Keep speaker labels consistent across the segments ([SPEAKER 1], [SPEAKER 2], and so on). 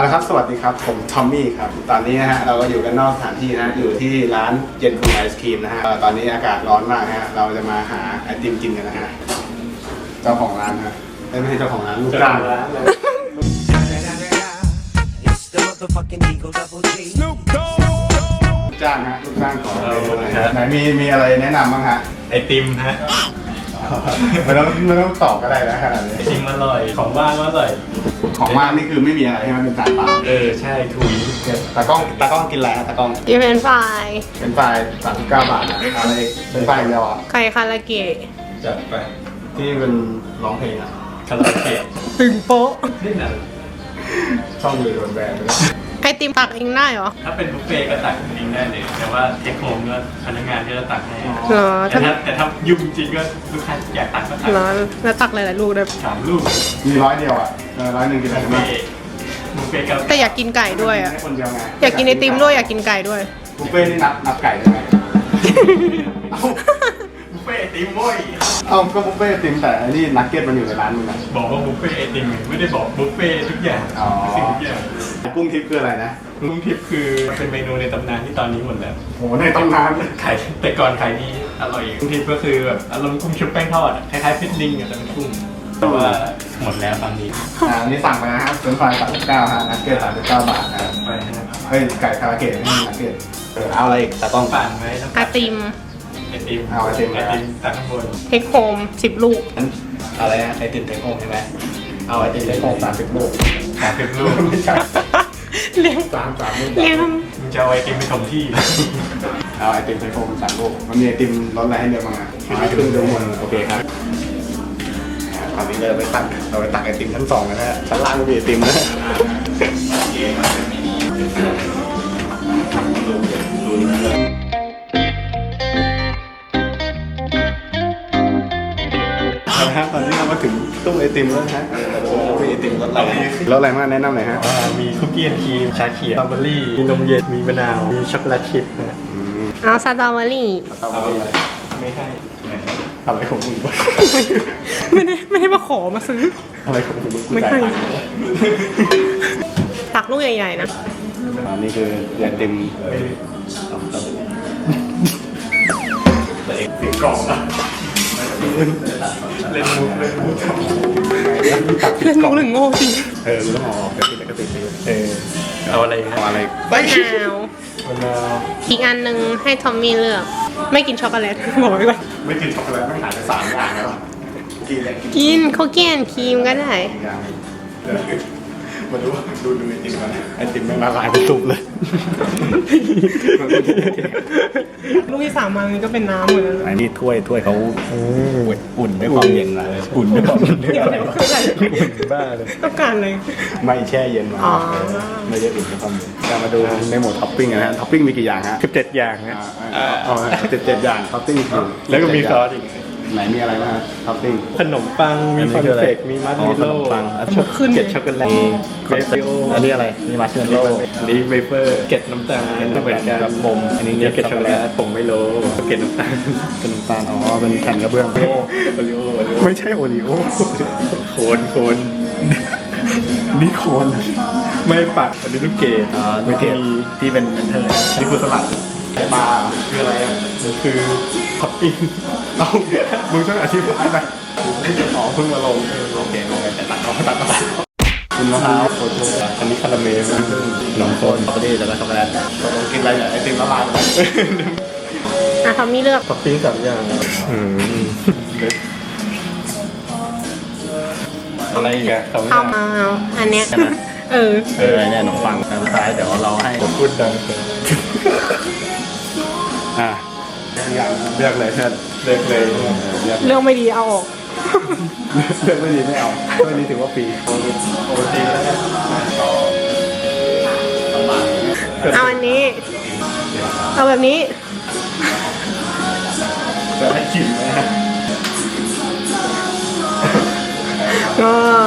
[SPEAKER 1] ครับสวัสดีครับผมทอมมี่ครับตอนนี้นะฮะเราก็อยู่กันนอกสถานที่นะอยู่ที่ร้านเย็นคุณไอศครีมนะฮะตอนนี้อากาศร้อนมากฮะเราจะมาหาไอติมกินกันนะฮะเจ้าของร้านฮะไม่ใช่เจ้าของร้านลูกจ้างร้านเลยจ้างฮะลูกจ้างของไหนมีอะไรแนะนำบ้างฮะ
[SPEAKER 2] ไอติมฮะ
[SPEAKER 1] ไม่ต้องตอบก็ได้นะขนาดนี้
[SPEAKER 2] ไอติมอร่อยของว่างอร่อย
[SPEAKER 1] ของว่างนี่คือไม่มีอะไรใช่ไหมเป็นจานเปล่า
[SPEAKER 2] ใช่ถุย
[SPEAKER 1] ตากล้องกินอะไรฮะตากล้อง
[SPEAKER 3] กินเป็นฝ่าย
[SPEAKER 1] เป็นไฟ39 บาทนะอะไรเป็นไฟอย่างเดียวอ่ะ
[SPEAKER 3] ไข่คาราเกะ
[SPEAKER 2] จัดไป
[SPEAKER 1] ที่เป็นร้องเพลงอ่ะ
[SPEAKER 2] คาราโอเกะ
[SPEAKER 3] ตึงโป๊ะ
[SPEAKER 2] นี่นะ
[SPEAKER 1] ช่องอยู่โดนแบนไปแล้ว
[SPEAKER 3] ไอติมตักเองได้เหรอ
[SPEAKER 2] ถ้าเป็นบุฟเฟ่ก็ตักจริงได้เลยแต่ว่าเทคโฮมก็พนักงานก็จะตักให้
[SPEAKER 3] เหรอ
[SPEAKER 2] แต่ถ้ายุ่งจริงก็ลูกค้าอยากตักก็ตัก
[SPEAKER 3] เหรอแล้วตักหลายๆลูกได้
[SPEAKER 2] 3 ลูก
[SPEAKER 1] มี100 เดียวอ่ะ100 กินอะไรได้บ้าง
[SPEAKER 2] บุฟเฟ่ก็
[SPEAKER 3] แต่อยากกินไก่ด้วยอ่ะ
[SPEAKER 1] ให้คนเดียวไง
[SPEAKER 3] อยากกินไอติมด้วยอยากกินไก่ด้วย
[SPEAKER 1] บุฟเฟ่นี่นับไก่ได้ไหมเอ้า
[SPEAKER 2] บุฟเฟ่ไอติมโว้ย
[SPEAKER 1] ก็บุฟเฟ่ไอติมแต่อันนี้นักเก็ตมันอยู่ในร้านมึงอ่ะ
[SPEAKER 2] บอกว่าบุฟเฟ่ไอติมไม่ได้บอกบุฟเฟ่ทุกอย่าง
[SPEAKER 1] อ๋อ
[SPEAKER 2] สิ่งทุกอย่าง
[SPEAKER 1] กุ้งทิพย์คืออะไรนะ
[SPEAKER 2] ลุงทิพย์คือเป็นเมนูในตำนานที่ตอนนี้หมดแล้ว
[SPEAKER 1] โหในตำนาน
[SPEAKER 2] ขายแต่ก่อนขายดีอร่อยกุ้งทิพย์ก็คือแบบอารมณ์กุ้งชุบแป้งทอดอะคล้ายๆฟิตลิงอะแต่เป็นกุ้งแต่ว่าหมดแล้วตอนนี้
[SPEAKER 1] อันนี้สั่งไปนะครับเป็นไฟ39ฮะนักเก็ต39 บาทนะครับ
[SPEAKER 2] ไปนะครับ
[SPEAKER 1] เฮ้ยไก่คาราเกะไม่ใช่นักเก็ตเอาอะไรอีกตากล้อง
[SPEAKER 2] ปั่นไว้ต้อง
[SPEAKER 3] ไอติม
[SPEAKER 2] ไอติม
[SPEAKER 1] เอาไอติม
[SPEAKER 2] ตักข้างบน
[SPEAKER 3] เทคโฮม10 ลูก
[SPEAKER 1] อะไรนะไอติมเทคโฮมใช่ไหมเอาไอติมเทคโฮม30 ลูก
[SPEAKER 2] 30 ลูก
[SPEAKER 1] ไม่ใช่
[SPEAKER 3] เลี้ยง
[SPEAKER 1] 3 ลูก
[SPEAKER 3] เลี้ยง
[SPEAKER 2] มึงจะเอาไอติมไปถมที่
[SPEAKER 1] เอาไอติมไทโฟม3 ลูกมันมีไอติมรสอะไรให้เลือกบ้างอ่ะขึ้นดูหมดโอเคครับตอนนี้เราไปตักไอติมชั้น2กันนะฮะชั้นล่างก็มีไอติมนะตอนนี้เรามาถึงตู้ไอติมแล้วนะฮะมีไอติมรสอะไรรสอะไรมากแนะนำหน่อยฮะ
[SPEAKER 2] มีคุกกี้แอนด์ครีมชาเขียวสตรอเบอรี่มีนมเย็นมีมะนาวมีช็อกโกแลตชิพนะ
[SPEAKER 3] เอาสตรอเบอรี่
[SPEAKER 2] เอาไม่ให้
[SPEAKER 1] อะไรของมึงวะ
[SPEAKER 3] ไม่ได้มาขอมาซื้อ
[SPEAKER 1] อะไรของมึง
[SPEAKER 3] ไม่ให้ ตักลูกใหญ่ๆนะ
[SPEAKER 1] อันนี้คือไอติม
[SPEAKER 2] เสียงกล่องอะเล่นมุก
[SPEAKER 3] เล่นมุกหรือโง่จริง
[SPEAKER 1] กูต้องออกกระติกกระติก
[SPEAKER 2] เอาอะไร
[SPEAKER 1] เอาอะไร
[SPEAKER 3] มะนาว
[SPEAKER 2] มะนาว
[SPEAKER 3] อีกอันหนึ่งให้ทอมมี่เลือก ไม่กินช็อกโกแลตบอกไว้ก่อน
[SPEAKER 1] ไม่กินช็อกโกแลตไม่หายไป3 อย่างแล้วกินอะไรกิน
[SPEAKER 3] กินคุกกี้แอนด์ครีมก็ได้
[SPEAKER 1] อย่างมาดูไอติมกันไอติมแม่งละลายเป็นตุ่มเลย
[SPEAKER 3] ลูกที่3มานี่ก็เป็นน้ำเหมือนกัน
[SPEAKER 1] อันนี้ถ้วยเขาอุ่นด้วยความเย็นมาอุ่นด้วยความเย็น
[SPEAKER 2] บ้าเลย
[SPEAKER 3] ต้องการเลย
[SPEAKER 1] ไม่แช่เย็นมา
[SPEAKER 3] อ๋อ
[SPEAKER 1] ไม่ได้อุ่นด้วยความเย็นจะมาดูในหมวดท็อปปิ้งนะฮะท็อปปิ้งมีกี่อย่างฮะ
[SPEAKER 2] 17 อย่างนะ
[SPEAKER 1] 17 อย่างท็อปปิ้งคือ
[SPEAKER 2] แล้วก็มีซอสอีก
[SPEAKER 1] ไหนมีอะไรบ้างท็อปปิ้ง
[SPEAKER 2] ขนมปัง มีคอนเฟกมีมัสเมลโล่
[SPEAKER 3] ขึ้น
[SPEAKER 2] เกล็ดช็อกโกแลตเบเฟโอ
[SPEAKER 1] อันนี้อะไรมีมาร์ชเมลโล่
[SPEAKER 2] อันนี้เวเฟอร์เกล็ดน้ำตาลเหมือนกัน
[SPEAKER 1] นมอันนี้
[SPEAKER 2] เกล็ดช็อกโกแลตผงไมโลเกล็ดน้ำตาล
[SPEAKER 1] เป็นน้ำตาลอ๋อเป็นแผ่นกระเบื้อง
[SPEAKER 2] โอริโอ
[SPEAKER 1] ไม่ใช่โอรีโอ
[SPEAKER 2] โคน
[SPEAKER 1] นี่โคน
[SPEAKER 2] ไม่ปักอันนี้ลูกเกด
[SPEAKER 1] ไม่เทที่เป็นเทอร์นี่คือสลัดปลาคืออะไรอ่ะ
[SPEAKER 2] มันคือท็อปปิ้ง
[SPEAKER 1] เอ้ามึงช่วยอธิบายหน่อยอ๋อเพิ่งมาลงโอเคแต่ตัดคุณมะพร้าวโคโค่
[SPEAKER 2] อันนี้คาราเมล
[SPEAKER 1] ขนมโคนสตรอเบอรี่แล้วก็ช็อกโกแลตกินอะไรเนี่ยไอติมละลาย
[SPEAKER 3] อ่ะทอมมี่เลือก
[SPEAKER 2] ท็อปปิ้ง3 อย่างอะไรอีกอะ2 อย่าง
[SPEAKER 3] เอาอันเนี้ยเออ
[SPEAKER 1] เนี่ยขนมปังทางซ้ายเดี๋ยวเราให้
[SPEAKER 2] พูดดังเลย
[SPEAKER 1] อย่างเลือกเลยเชิญ
[SPEAKER 2] เลิกเลย
[SPEAKER 1] เลือก
[SPEAKER 3] เรื่องไม่ดีเอาออก
[SPEAKER 1] เลือกไม่ดีไม่เอาไม่ดีถือว่าฟรี
[SPEAKER 2] โอทีแล้วกัน
[SPEAKER 3] เอาอันนี้ เอาแบบนี้
[SPEAKER 1] จะให้ชิมนะฮะ
[SPEAKER 3] ก็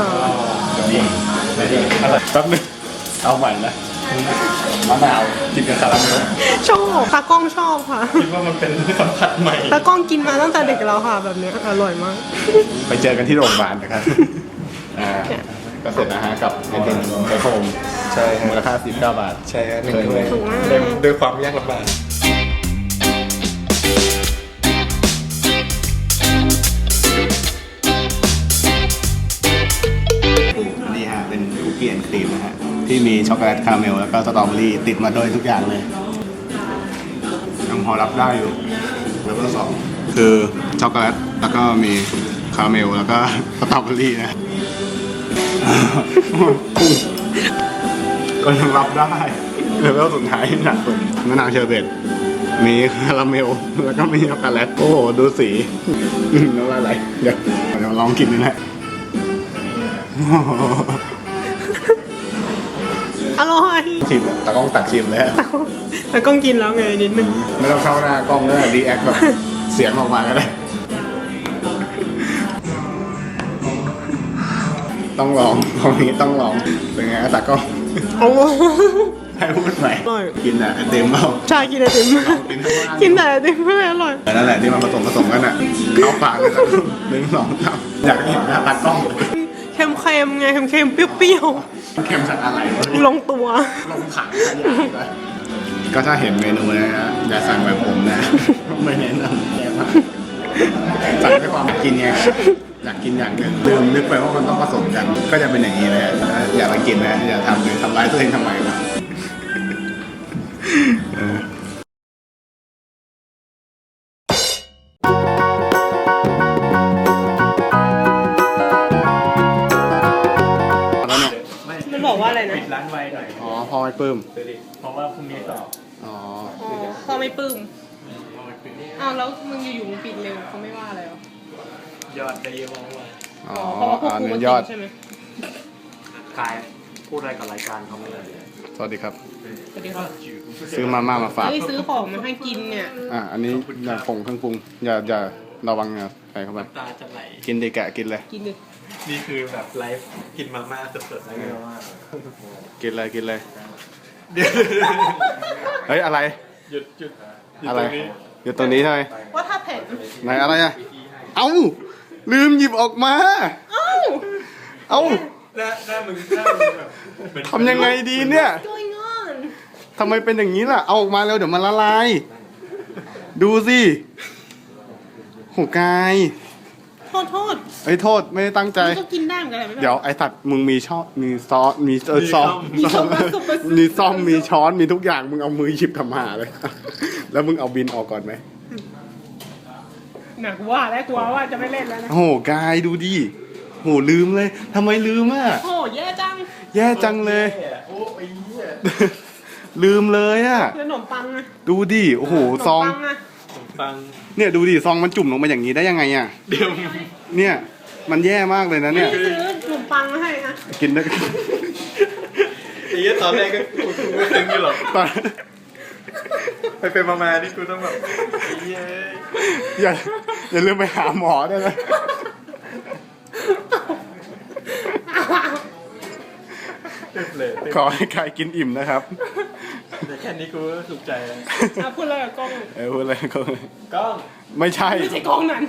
[SPEAKER 1] อะไรแป๊บนึงเอาใหม่นะมะนาวกินกับคาราเมล
[SPEAKER 3] ชอบตากล้องชอบค่ะ
[SPEAKER 2] คิดว่ามันเป็นสัมผัสใหม่
[SPEAKER 3] ตากล้องกินมาตั้งแต่เด็กแล้วค่ะแบบเนี้ยอร่อยมาก
[SPEAKER 1] ไปเจอกันที่โรงพยาบาลนะครับก็เสร็จนะฮะกับไอติมไอโฟม
[SPEAKER 2] ใช่ฮะ
[SPEAKER 1] มูลค่า19 บาท
[SPEAKER 2] ใช่ฮะหนึ่งถ้วย
[SPEAKER 3] ถูกมาก
[SPEAKER 2] ด้วยความยากลำบาก
[SPEAKER 1] นี่ฮะเป็นคุกกี้แอนด์ครีมนะฮะที่มีช็อกโกแลตคาราเมลแล้วก็สตรอเบอรี่ติดมาด้วยทุกอย่างเลยยังพอรับได้อยู่แล้วก็สองคือช็อกโกแลตแล้วก็มีคาราเมลแล้วก็สตรอเบอรี่นะก็ยังรับได้เลเวลสุดท้ายหนักสุดมะนาวเชอร์เบตมีคาราเมลแล้วก็มีช็อกโกแลตโอ้โหดูสีน้ำลายไหลเดี๋ยวลองกินดูนะ
[SPEAKER 3] อร่อย
[SPEAKER 1] ชิมตากล้องตักชิมแล้ว
[SPEAKER 3] แล้วก็กินแล้วไงนิดนึง
[SPEAKER 1] ไม่ต้องเข้าหน้ากล้องด้วยดีแอคแบบเสียงออกมาก็ได้ต้องลองตรงนี้ต้องลองเป็นไงตากล้อง
[SPEAKER 3] โอ้
[SPEAKER 1] ให้พูดใหม่
[SPEAKER 3] อร่อย
[SPEAKER 1] กินอ่ะไอเต็มเปล่า
[SPEAKER 3] ชากินไอติมกินแต่ไอติมไม่อร่อย
[SPEAKER 1] แต่นั่นแหละที่มันผสมกันอ่ะเข้าปากเลยสักหนึ่งสองสามอยากให้เห็นหน้าตากล้อง
[SPEAKER 3] เค็มๆไงเค็มๆเปรี้ยว
[SPEAKER 1] เค็มจากอะไรวะ
[SPEAKER 3] ๆลงตัว
[SPEAKER 1] ลงขังขยายเลยก็ถ้าเห็นเมนูนะฮะอย่าสั่งแบบผมนะ ไม่แนะนำแย่มากสั่งด้วยความกินไงอยากกินอย่างหนึ่งลืมนึกไปว่ามันต้องผสมกัน ก็จะเป็นอย่างนี้เลยอย่ามากินนะอย่าทำเลยทำร้ายตัวเองทำไมนะแล้วเนี่ย
[SPEAKER 3] มันบอกว่าอะไรนะ
[SPEAKER 2] ปิดร้านไวหน่อย
[SPEAKER 1] อ๋อพ่อไม่ปลื้ม
[SPEAKER 2] เพราะว่าพรุ่งนี้สอบ
[SPEAKER 1] อ๋อ
[SPEAKER 3] อ๋อพ่อไม่ปลื้ม
[SPEAKER 2] เอาไปปิด
[SPEAKER 3] อ้าวแล้วมึงอยู่ๆมึงปิดเร็วเขาไม่ว่าอะไรหรอย
[SPEAKER 2] อดได้เยอะมากเลย
[SPEAKER 1] อ๋อ
[SPEAKER 3] เพราะว่าพวก
[SPEAKER 1] อัน
[SPEAKER 3] กู
[SPEAKER 1] นี้
[SPEAKER 3] มาย
[SPEAKER 1] อ
[SPEAKER 3] กิ
[SPEAKER 1] ด
[SPEAKER 3] นใช่ไหม
[SPEAKER 2] ขายพูดอะไรกับรายการเขาไม่ได้
[SPEAKER 1] สวัสดีครับ
[SPEAKER 3] สวัสดีครับ
[SPEAKER 1] ซื้อมาม่ามาฝาก
[SPEAKER 3] เฮ้ยซื้อของมาให้กินเนี่ย
[SPEAKER 1] อันนี้อย่าผงเครื่องปรุงอย่าระวังนะใส่เข้าไป
[SPEAKER 2] ตาจะไหล
[SPEAKER 1] กินดิแกะกินเลย
[SPEAKER 3] กินดิ
[SPEAKER 2] นี่คือแบบไลฟ์กินมาม่าสดๆแล้วก็มาม่า
[SPEAKER 1] กินเลยกินเลย
[SPEAKER 2] เดี๋ยว
[SPEAKER 1] เฮ้ยอะไร
[SPEAKER 2] หยุดหยุดหยุด
[SPEAKER 1] อะไร
[SPEAKER 2] ตรงนี้
[SPEAKER 1] อยู่ตรงนี้ใช่ไหม
[SPEAKER 3] ว่าถ้าเผ็ด
[SPEAKER 1] ไหนอะไรอ่ะเอ้าลืมหยิบออกมา
[SPEAKER 3] เอ้า
[SPEAKER 1] เอ้า
[SPEAKER 2] หน้ามึงแบบเหมือน
[SPEAKER 1] ทำยังไงดีเนี่ย
[SPEAKER 3] going on
[SPEAKER 1] ทำไมเป็นอย่างนี้ล่ะเอาออกมาเร็วเดี๋ยวมันละลายดูสิโหกาย
[SPEAKER 3] โทษ
[SPEAKER 1] ไอ้ยโทษไม่ได้ตั้งใจ
[SPEAKER 3] มันก็กินได้เหมือนกันแหละไม่เป็นไร
[SPEAKER 1] เดี๋ยวไอ้สัตว์มึงมีช้อนมีซอสมีซอส
[SPEAKER 3] มีช้อนผสมผสม
[SPEAKER 1] มีซ่อมมีช้อนมีทุกอย่างมึงเอามือหยิบทำหาเลย แล้วมึงเอาบินออกก่อนไหม
[SPEAKER 3] หนักว่าแล้วกลัวว่าจะไม่เล่นแล้วนะ
[SPEAKER 1] โอ้โหกายดูดิโหลืมเลยทำไมลืมอ่ะ
[SPEAKER 3] โอ้แย่จัง
[SPEAKER 1] แย่จังเลย
[SPEAKER 2] โอ้ยเหี้ย
[SPEAKER 1] ลืมเลยอ่ะ
[SPEAKER 3] ขนมปังนะ
[SPEAKER 1] ดูดิโอ้โห
[SPEAKER 3] ขนม
[SPEAKER 1] ซอง
[SPEAKER 3] ปังนะ
[SPEAKER 2] ผมฟัง
[SPEAKER 1] เนี่ยดูดิซองมันจุ่มลงมาอย่างนี้ได้ยังไงอ่ะ
[SPEAKER 2] เดี๋ยว
[SPEAKER 1] เนี่ยมันแย่มากเลยนะเนี่ย
[SPEAKER 3] ซื้อขนมปังมาให้นะ
[SPEAKER 1] กินได้
[SPEAKER 2] ไอ้เหี้ยตอนแรกก็กูไม่ถึงอยู่หรอก
[SPEAKER 1] ตอน
[SPEAKER 2] ไปมาๆนี่กูต้องแบบไอ้เหี้ย
[SPEAKER 1] อย่าลืมไปหาหมอด้วยนะ
[SPEAKER 2] เต็มเลย
[SPEAKER 1] ขอให้กายกินอิ่มนะครับ
[SPEAKER 2] แต่แค่นี้กูก็สุขใจแล้ว
[SPEAKER 3] พูดอะไรกับกล้อง
[SPEAKER 1] พูดอะไรก็
[SPEAKER 2] กล้อง
[SPEAKER 1] ไม่ใช่
[SPEAKER 3] ไม่ใช่กล้องนั้น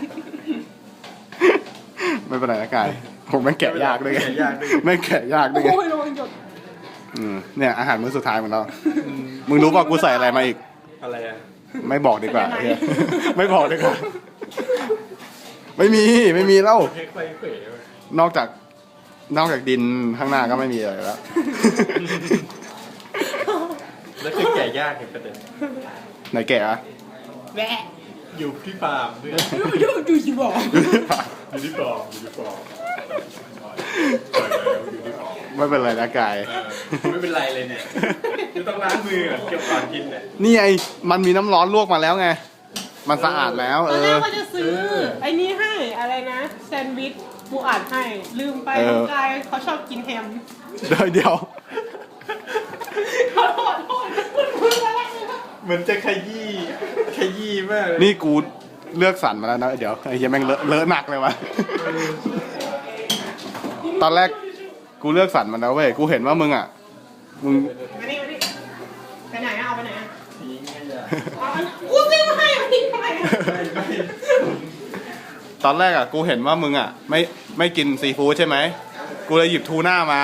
[SPEAKER 1] ไม่เป็นไรนะกายผมแม่งแกะยากด้วยไง
[SPEAKER 2] แกะยากด้วย
[SPEAKER 1] แม่งแกะยากด้วยไง
[SPEAKER 3] โอ้ยระวังหยด
[SPEAKER 1] เนี่ยอาหารมื้อสุดท้ายของเรามึงรู้ป่ะกูใส่อะไรมาอีก
[SPEAKER 2] อะไรอ่ะ
[SPEAKER 1] ไม่บอกดีกว่าเหี้ยไม่บอกดีกว่าไม่มีแล้ว
[SPEAKER 2] เค้กไฟเขวเว้ย
[SPEAKER 1] นอกจากดินข้างหน้าก็ไม่มีอะไรแล้ว
[SPEAKER 2] แล้วคือแก่ยากเห็นประเด็น
[SPEAKER 1] ไหนแกะอะ
[SPEAKER 3] แหวะ
[SPEAKER 2] อยู่ที่ฟาร์มเพื่อน
[SPEAKER 3] ดูสิบอก
[SPEAKER 2] อยู่ที่ฟาร์มอยู่ที่ฟาร์มปล่อยแล้วอยู่ที่ฟาร์ม
[SPEAKER 1] ไม่เป็นไรนะกาย
[SPEAKER 2] ไม่เป็นไรเลยเนี่ยจะต้องล้างมือก่อนเก็บก่อนกินเนี่ย
[SPEAKER 1] นี่ไงมันมีน้ำร้อนลวกมาแล้วไงมันสะอาดแล้ว
[SPEAKER 3] ตอนแรกว่าจะซื้อไอ้นี่ให้อะไรนะแซนด์วิชปูอัดให้ลืมไปน้องกายเขาชอบกินแฮม
[SPEAKER 1] เดี๋ยว
[SPEAKER 3] ขอโทษพูดอะไรนะ
[SPEAKER 2] เหมือนจะขยี้มากเลย
[SPEAKER 1] นี่กูเลือกสรรมาแล้วนะเดี๋ยวไอ้เหี้ยแม่งเลอะหนักเลยวะตอนแรกกูเลือกสรรมาแล้วเว้ยกูเห็นว่ามึงอ่ะมึง
[SPEAKER 3] มานี่ไปไหนอะเอาไปไหนอะ
[SPEAKER 2] ทิ้งขยะ
[SPEAKER 3] เอาอันกูซื้อมาให้มาทิ้งทำไมอะ
[SPEAKER 2] ไม่
[SPEAKER 1] ตอนแรกอ่ะกูเห็นว่ามึงอ่ะไม่กินซีฟู้ดใช่ไหมกูเลยหยิบทูน่ามา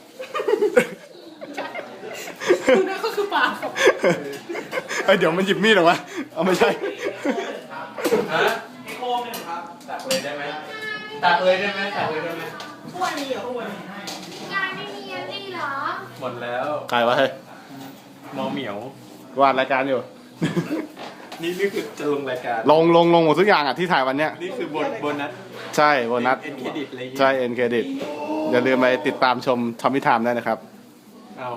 [SPEAKER 3] คุณนั่นก็คือปลาครับ
[SPEAKER 1] เอ้ยเดี๋ยวมันหยิบมีดเหรอวะเอาไม่ใช่
[SPEAKER 2] ฮะโค้งเนี่ยครับตักเลยได้ไหมตักเลยได้ไหมตักเลยได้ไหม
[SPEAKER 3] ถ้วยมีเหรอถ้วย
[SPEAKER 4] งานไม่มีอันนี้เหรอ
[SPEAKER 2] หมดแล้ว
[SPEAKER 1] ใครวะเฮ้ย
[SPEAKER 2] มอเหมียว
[SPEAKER 1] วาดรายการอยู่
[SPEAKER 2] นี่คือจะลงรายการ
[SPEAKER 1] ลงหมดทุกอย่างอ่ะที่ถ่ายวันเนี้ย
[SPEAKER 2] นี่คือโบนัส
[SPEAKER 1] ใช่โบนัส
[SPEAKER 2] เอ็นเครดิตอะไรอย่างงี้
[SPEAKER 1] ใช่เอ็นเครดิตอย่าลืมไปติดตามชมทอมมี่ไทม์ได้นะครับ
[SPEAKER 2] เอา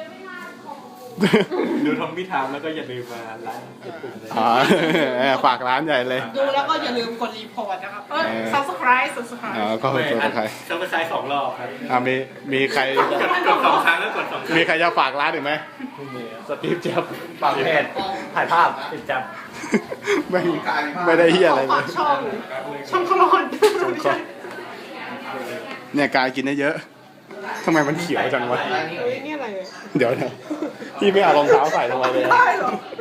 [SPEAKER 2] ดูทอมมี่ไทม์แล้วก็อย่าลืมมาไลค์กดปุ่มเลย
[SPEAKER 1] อ๋อ ฝากร้านใหญ่เลย
[SPEAKER 3] ดูแล้วก็อย่าลืมกดรีพอร์ตนะครับsubscribe
[SPEAKER 1] อ๋อก็เป็นตัวใคร
[SPEAKER 2] เขาไปขาย2 รอบครับ
[SPEAKER 1] มีใคร
[SPEAKER 2] กด2 ครั้งแล้วกด2 ครั้ง
[SPEAKER 1] มีใครจะฝากร้านอีกไหม
[SPEAKER 2] สตีฟเจ็บปากเพจถ่ายภาพติดจับ
[SPEAKER 1] ไม่ได้เฮียอะไรเล
[SPEAKER 3] ฝาย กช่องขลอน
[SPEAKER 1] เนี่ยการกินได้เยอะทำไมมันเขียวจังวะ
[SPEAKER 3] เฮ้ยนี่อะไร
[SPEAKER 1] เดี๋ยวนะพี่ไม่เอารองเท้าใส่ลงไปเลย
[SPEAKER 3] ได้เหรอ